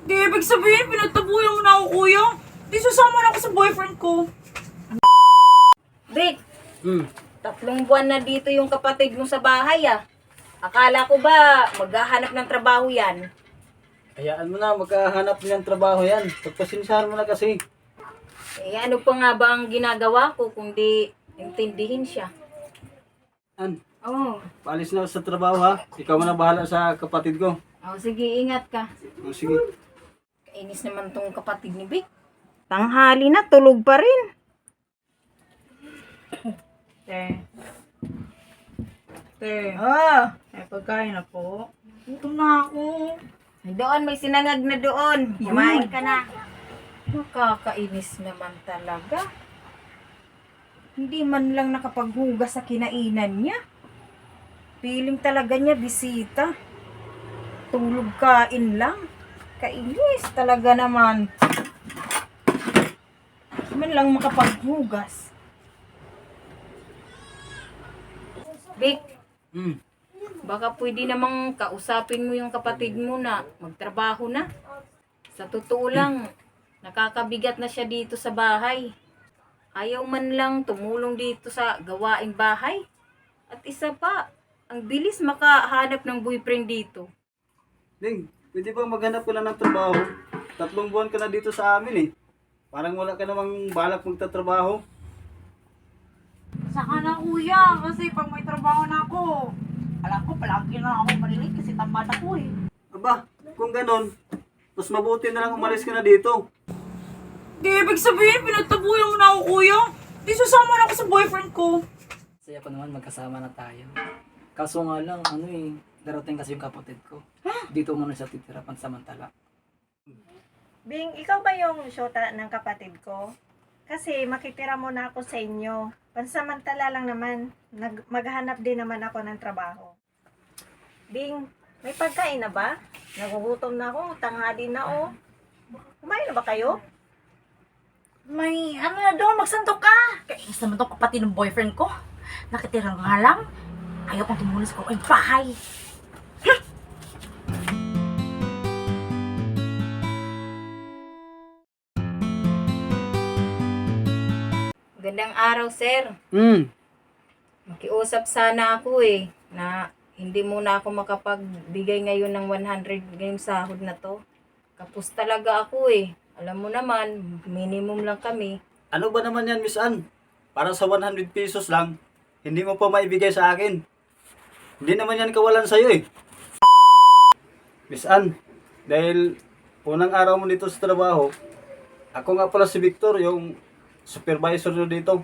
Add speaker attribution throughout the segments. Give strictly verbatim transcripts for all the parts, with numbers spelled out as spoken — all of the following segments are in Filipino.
Speaker 1: Di ibig sabihin, pinagtabuyan mo na ako, kuya. Di sasama na ako sa boyfriend ko.
Speaker 2: Vic,
Speaker 3: Hmm.
Speaker 2: tatlong buwan na dito yung kapatid mo sa bahay ah. Akala ko ba maghahanap ng trabaho yan?
Speaker 3: Hayaan mo na, magkahanap niyang trabaho yan. Pagpasinsahan mo na kasi.
Speaker 2: Eh ano pa nga ba ang ginagawa ko kung di intindihin siya?
Speaker 3: An,
Speaker 2: Oo.
Speaker 3: paalis na ako sa trabaho ha. Ikaw mo na bahala sa kapatid ko.
Speaker 2: Oh, sige, ingat ka.
Speaker 3: O, sige.
Speaker 2: Kainis naman tong kapatid ni Vic. Tanghali na, tulog pa rin.
Speaker 1: Te. Te.
Speaker 2: Ah,
Speaker 1: May pagkain na po. Gutom na ako.
Speaker 2: doon may sinangag na doon. Kumain ka na. Nakakainis naman talaga. Hindi man lang nakapaghugas sa kinainan niya. Feeling talaga niya bisita. Tulog kain lang. Kainis talaga naman. Hindi man lang makapaghugas. Vic,
Speaker 3: Hmm.
Speaker 2: baka pwede namang kausapin mo yung kapatid mo na magtrabaho na. Sa totoo lang, nakakabigat na siya dito sa bahay. Ayaw man lang tumulong dito sa gawaing bahay. At isa pa, ang bilis makahanap ng boyfriend dito.
Speaker 3: Ding, pwede ba maghanap ka na ng trabaho? Tatlong buwan ka na dito sa amin eh. Parang wala ka namang balak magtatrabaho.
Speaker 1: Saka na, kuya. Kasi pag may trabaho na ako, alam ko, palagi na ako malilit kasi tamad ako eh.
Speaker 3: Aba, kung ganon, mas mabuti na lang umalis ka na dito.
Speaker 1: Di ibig sabihin, pinagtabuyan mo na ako, kuya. Di sasama na ako sa boyfriend ko.
Speaker 4: Saya ko naman magkasama na tayo. Kaso nga lang, ano eh, darating kasi yung kapatid ko. Dito muna siya titira pansamantala.
Speaker 5: Bing, ikaw ba yung syota ng kapatid ko? Kasi makitira muna ako sa inyo. Pansamantala lang naman. Nag maghanap din naman ako ng trabaho. Bing, may pagkain na ba? Nagugutom na ako. Tanghali na oh. Kumain na ba kayo?
Speaker 1: May ano na doon, magsandok ka. Kainis naman tong kapatid ng boyfriend ko. Nakitira nga lang. Ayaw kong tumulis ko ay bahay.
Speaker 2: Gandang araw, sir.
Speaker 3: Hmm.
Speaker 2: Makiusap sana ako eh, na hindi muna ako makapagbigay ngayon ng one hundred ngayong sahod na to. Kapos talaga ako eh. Alam mo naman, minimum lang kami.
Speaker 3: Ano ba naman yan, Miss Ann? Para sa one hundred pesos lang, hindi mo pa maibigay sa akin. Hindi naman yan kawalan sa'yo eh. Miss Ann, dahil unang araw mo dito sa trabaho, ako nga pala si Victor, yung supervisor nyo dito.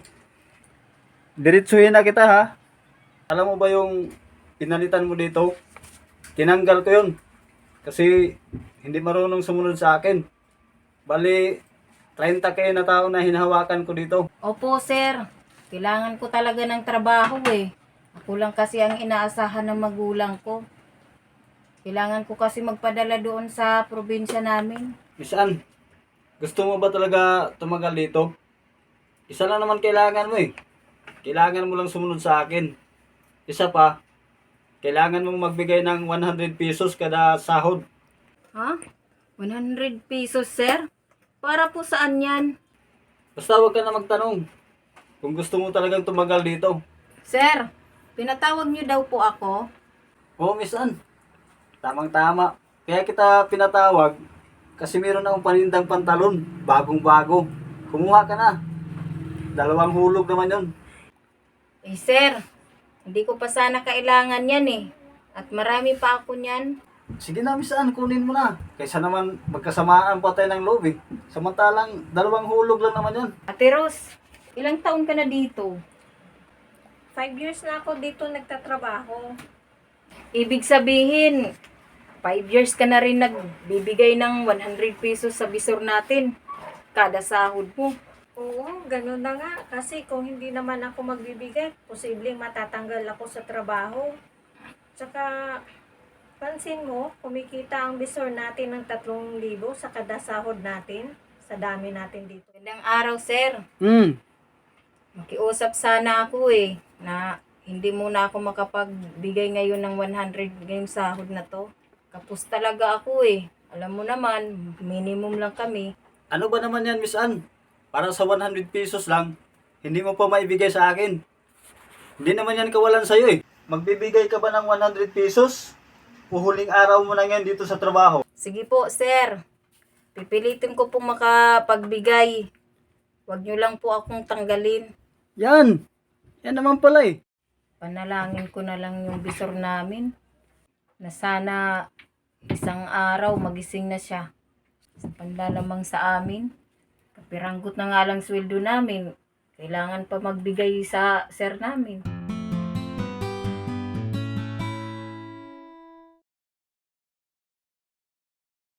Speaker 3: Diretsuhin na kita ha. Alam mo ba yung pinalitan mo dito? Tinanggal ko yun. Kasi hindi marunong sumunod sa akin. Bali, thirty kayo na tao na hinahawakan ko dito.
Speaker 2: Opo, sir. Kailangan ko talaga ng trabaho eh. Ako lang kasi ang inaasahan ng magulang ko. Kailangan ko kasi magpadala doon sa probinsya namin.
Speaker 3: Miss Ann, gusto mo ba talaga tumagal dito? Isa lang naman kailangan mo eh. Kailangan mo lang sumunod sa akin. Isa pa, kailangan mong magbigay ng one hundred pesos kada sahod.
Speaker 2: Ha? one hundred pesos, sir? Para po saan yan?
Speaker 3: Basta huwag ka na magtanong kung gusto mo talagang tumagal dito.
Speaker 2: Sir, pinatawag niyo daw po ako.
Speaker 3: Oo, Miss Ann. Tamang-tama. Kaya kita pinatawag kasi meron akong panindang pantalon. Bagong-bago. Kumuha ka na. Dalawang hulog naman yon.
Speaker 2: Eh, sir, hindi ko pa sana kailangan yan eh. At marami pa ako niyan.
Speaker 3: Sige na, Miss Ann, kunin mo na. Kaysa naman magkasamaan pa tayo ng loob eh. Samantalang dalawang hulog lang naman yan.
Speaker 2: Ate Rose, ilang taon ka na dito?
Speaker 5: Five years na ako dito nagtatrabaho.
Speaker 2: Ibig sabihin, five years ka na rin nagbibigay ng one hundred pesos sa bisor natin. Kada sahod mo.
Speaker 5: Oo, ganun na nga. Kasi kung hindi naman ako magbibigay, posibleng matatanggal ako sa trabaho. Tsaka, pansin mo, kumikita ang bisor natin ng tatlong libo sa kada sahod natin. Sa dami natin dito.
Speaker 2: Gandang araw, sir.
Speaker 3: Hmm.
Speaker 2: Makiusap sana ako eh, na hindi muna ako makapagbigay ngayon ng one hundred ngayong sahod na to. Kapos talaga ako eh. Alam mo naman, minimum lang kami.
Speaker 3: Ano ba naman yan, Miss Ann? Para sa one hundred pesos lang, hindi mo pa maibigay sa akin. Hindi naman yan kawalan sa'yo eh. Magbibigay ka ba ng one hundred pesos? Uhuling araw mo na yan dito sa trabaho.
Speaker 2: Sige po, sir. Pipilitin ko pong makapagbigay. Huwag niyo lang po akong tanggalin.
Speaker 3: Yan! Yan naman pala eh.
Speaker 2: Panalangin ko na lang yung bisor namin na sana isang araw magising na siya. Sa panlalamang sa amin, kapiranggot na nga lang sweldo namin. Kailangan pa magbigay sa sir namin.